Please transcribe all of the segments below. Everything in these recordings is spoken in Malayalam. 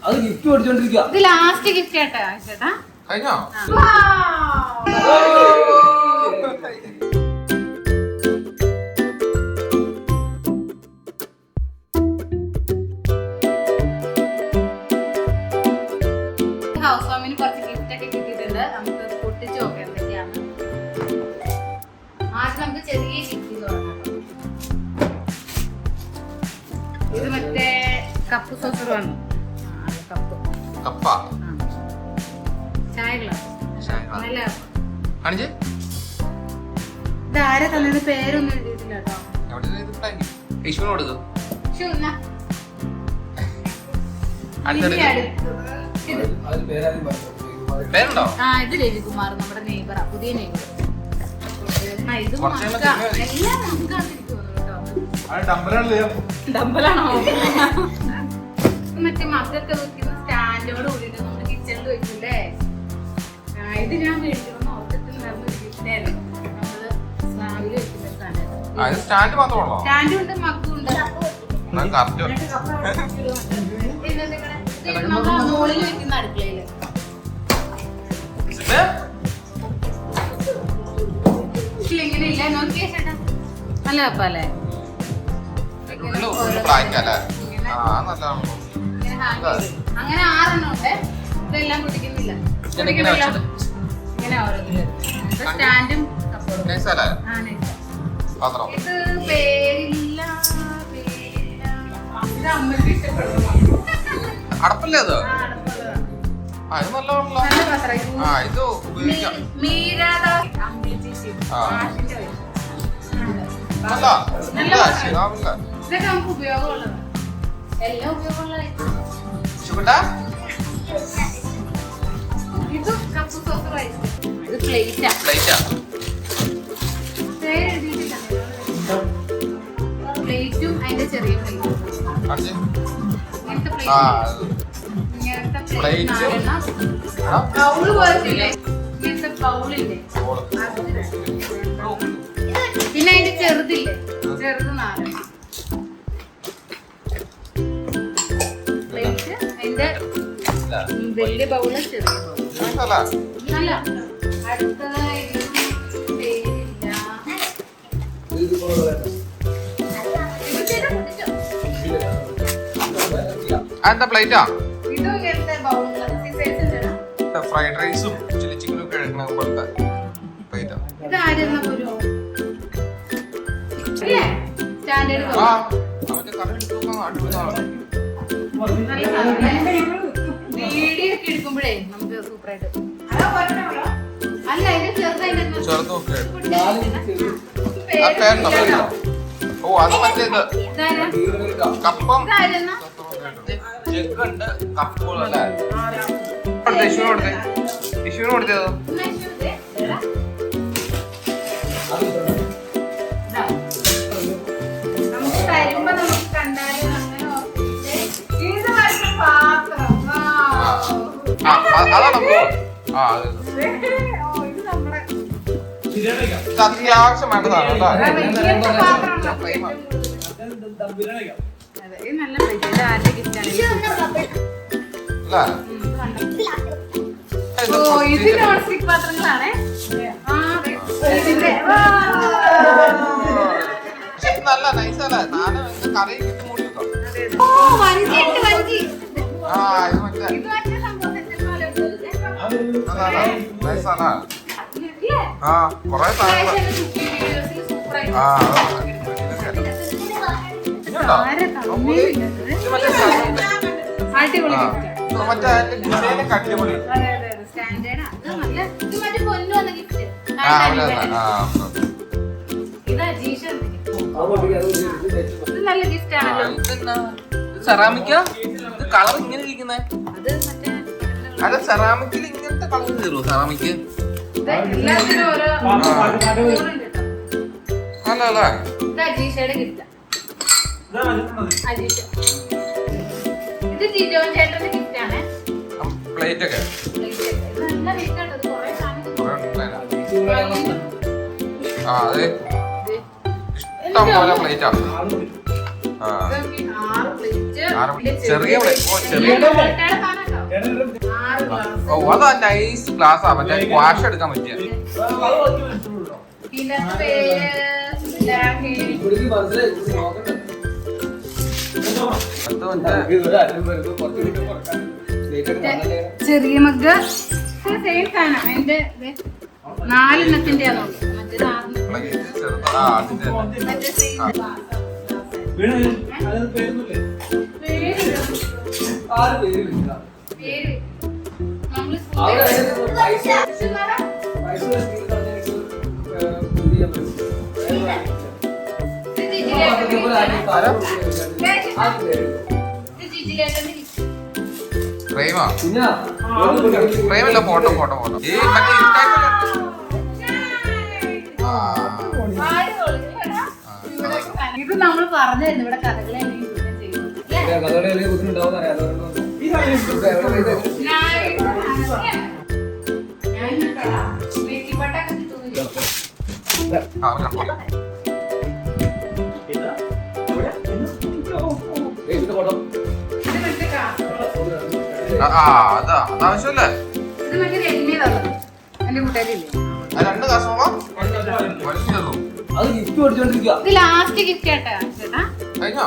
അത് ഗിഫ്റ്റ് മേടിച്ചോണ്ടിരിക്കുക. ഇത് ലാസ്റ്റ് ഗിഫ്റ്റ് ചേട്ടാ. ചേട്ടാ കഴിഞ്ഞോ? ഹൗസ് വാമിന് കുറച്ച് ഗിഫ്റ്റ് ഒക്കെ കിട്ടിയിട്ടുണ്ട്. നമുക്ക് പൊട്ടിച്ച് നോക്കാം എന്തൊക്കെയാണ്. ആദ്യം നമുക്ക് ചെറിയ ഗിഫ്റ്റ് തുടങ്ങാം. ഇത് മറ്റേ കപ്പ് സോസർ വന്നു. കപ്പ ചായ ഗ്ലാസ്. നല്ല കാണിച്ചേ. ഇത് ആരെ തന്നെ പേരൊന്നും എഴുതിയിട്ടില്ല കേട്ടോ. യേശുവിന് കൊടുക്കും. പേരുണ്ടോ? ആ ഇത് രവികുമാർ, നമ്മുടെ നെയ്ബറാ, പുതിയ നെയ്ബർ. ഇത് എല്ലാം ഡമ്പലാണോ? മറ്റേ മക്കൊക്കെ വെക്കുന്ന സ്റ്റാൻഡോട് കൂടിയിട്ട് നമ്മുടെ കിച്ചണിൽ വെക്കില്ലേ. ഇത് ഞാൻ മേടിക്കണം ഓർത്തിട്ടുണ്ടായിരുന്നു. ഗിഫ്റ്റായിരുന്നു. നമ്മള് സ്ലാബില് വെക്കുന്ന സ്റ്റാൻഡ് മാത്രമാണോ? സ്റ്റാൻഡും ഉണ്ട്, മക്കും ഉണ്ട്. മുകളിൽ വെക്കുന്ന അടുക്കളയില് ഇങ്ങനെ ഇല്ല. നോക്കിയേ ചേട്ടാ, നല്ല കപ്പല്ലേ. അങ്ങനെ 6 ഉണ്ട്. ഇതെല്ലാം കുടിക്കുന്നില്ല. ഇങ്ങനെ ഓരോന്നില്ല. സ്റ്റാൻഡും ഇത് പേരില്ല. ഇത് അമ്മയ്ക്ക് ഇഷ്ടപ്പെടുന്നു. അടപ്പല്ലേ അത്? ഇതൊക്കെ നമുക്ക് ഉപയോഗമുള്ളതാണ്. എല്ലാം ഉപയോഗമുള്ള ഇത് കപ്പ് സോസർ ആയിരിക്കും. ഇത് പ്ലേറ്റാ. പ്ലേറ്റും അതിന്റെ ചെറിയ പ്ലേറ്റും. ബൗള് പോലത്തില്ലേ, ഇങ്ങനത്തെ ബൗളില്ലേ. പിന്നെ അതിന്റെ ചെറുതില്ലേ, ചെറുത് 4 പ്ലേറ്റ്. അതിന്റെ വലിയ ബൗള്, ചെറിയ ബൗള്. നല്ല അടുത്തതായിട്ട് എന്താ പ്ലേറ്റാ? ഇതും ഇങ്ങനത്തെ ബൗള്. ഫ്രൈഡ് റൈസും ചില്ലി ചിക്കനും ഒക്കെ എടുക്കണ പോലത്തെ പ്ലേറ്റാ. ഇത് ആരെന്നാ പോലും അല്ലേ സ്റ്റാൻഡേർഡ്. വീഡിയോ ഒക്കെ എടുക്കുമ്പോഴേ നമുക്ക് സൂപ്പറായിട്ട്. അല്ല ഇത് ചെറുതായിട്ട്. ഓ അത് മറ്റേത് കപ്പം ജഗ്ഗുണ്ട്, കപ്പുകളല്ലേ. ടിഷ്യൂന് കൊടുത്തതോ? നമുക്ക് തരുമ്പോ നമുക്ക് കണ്ടാലും അങ്ങനെ ഇത് വരുന്ന പാത്രം. അതാണ് അത്യാവശ്യം വേണ്ടതാണ് കേട്ടോ. നല്ല പ്ലേറ്റ്. ആരുടെ ഗിഫ്റ്റാണ്? ഇത് നോൺ സ്റ്റിക് പാത്രങ്ങളാണേ. നല്ല നൈസല്ലേ. കറി മൂടി വെക്കാം. നൈസാണ്. ആ കൊറേ സാധനങ്ങൾ. അടിപൊളി. സെറാമിക്ക. ഇത് കളർ ഇങ്ങനെ ഇരിക്കുന്നേ. അത് സെറാമിക്കിൽ ഇങ്ങനത്തെ കളർ തരുമോ? സെറാമിക്ക് അല്ല അല്ല. പ്ലേറ്റ് ഒക്കെ അതെ ഇഷ്ടം പോലെ പ്ലേറ്റാ. ചെറിയ ഓ അതാ നൈസ് ക്ലാസ് ആ മറ്റേ വാഷ് എടുക്കാൻ പറ്റിയ ചെറിയ മഗ് സെയിം സാധനം അതിന്റെ 4 പ്രേമല്ല ഫോട്ടോ ഫോട്ടോ ഫോട്ടോ ഈ മറ്റേ ഇത് നമ്മൾ പറഞ്ഞായിരുന്നു ഇവിടെ കഥകളെ അതാവശ്യമല്ലേ എന്റെ കൂട്ടുകാരില്ലേ 2 കാസോളം ഇത് ലാസ്റ്റ് ഗിഫ്റ്റ് ആട്ടാ ചേട്ടാ കഴിഞ്ഞോ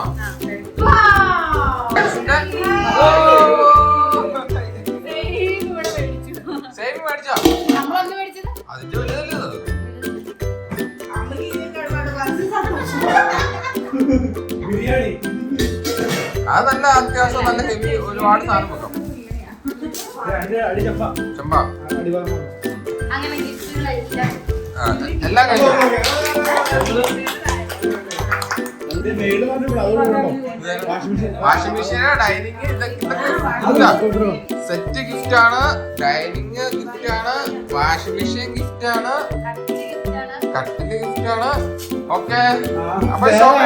സേമി മേടിച്ചോ നമ്മളൊന്ന് മേടിച്ചത് അതിന്റെ വലുതല്ലേ അത് നല്ല അത്യാവശ്യം നല്ല ഹെവി ഒരുപാട് സാധനം വെക്കാം ചെമ്പ അങ്ങനെ ഗിഫ്റ്റുകളെല്ലാം എല്ലാം കഴിഞ്ഞു washing machine dining set gift ആണ് ഡൈനിങ് ഗിഫ്റ്റ് ആണ് വാഷിംഗ് മെഷീൻ ഗിഫ്റ്റ് ആണ് കട്ടില് ഗിഫ്റ്റ് ആണ് ഓക്കെ അപ്പൊ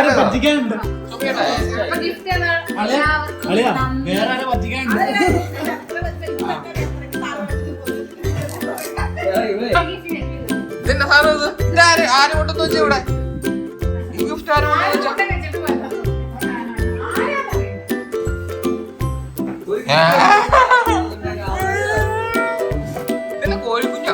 ഇതിന്റെ സാധനം ഇത് ആര് കൊണ്ടെന്ന് വെച്ചാ ഇവിടെ ഈ ഗിഫ്റ്റ് ആര് കൊണ്ടെന്ന് വെച്ചാ ഇതിന്റെ കോഴിക്കുഞ്ഞ